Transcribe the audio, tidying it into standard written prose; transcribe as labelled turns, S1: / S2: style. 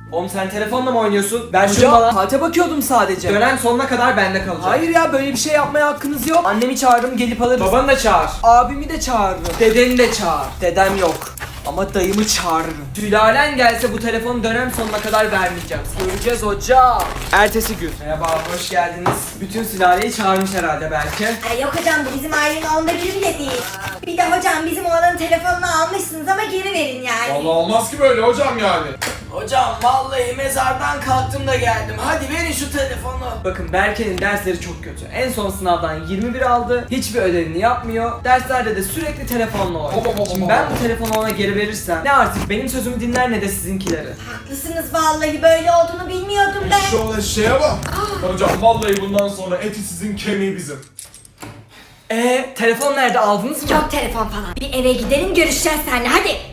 S1: Oğlum sen telefonla mı oynuyorsun? Ver şunu
S2: Hocam
S1: bana.
S2: saate bakıyordum sadece.
S1: Dönem sonuna kadar bende kalacak.
S2: Hayır ya, böyle bir şey yapmaya hakkınız yok. Annemi çağırırım, gelip alırız.
S1: Babanı da çağır.
S2: Abimi de çağırırım. Dedeni de çağır. Dedem yok. Ama dayımı çağırırım.
S1: Sülalen gelse bu telefonu dönem sonuna kadar vermeyeceğim.
S2: Göreceğiz hocam. Ertesi gün.
S1: Merhaba, hoş geldiniz. Bütün sülaleyi çağırmış herhalde belki.
S3: Ay yok hocam, bu bizim ailenin onda biri bile değil. Bir de hocam bizim oğlanın telefonunu almışsınız ama geri verin yani.
S4: Vallahi olmaz ki böyle hocam yani.
S2: Hocam vallahi mezardan kalktım da geldim. Hadi verin şu telefonu.
S1: Bakın Berke'nin dersleri çok kötü. En son sınavdan 21 aldı. Hiçbir ödevini yapmıyor. Derslerde de sürekli telefonla oynuyor. Şimdi ben bu telefonu ona geri verirsem ne artık benim sözümü dinler ne de sizinkileri.
S3: Haklısınız vallahi, böyle olduğunu bilmiyordum ben.
S4: Şu şeye bak. Hocam vallahi bundan sonra eti sizin kemiği bizim.
S1: Telefon nerede, aldınız mı?
S3: Yok telefon falan. Bir eve gidelim, görüşeceğiz seninle hadi.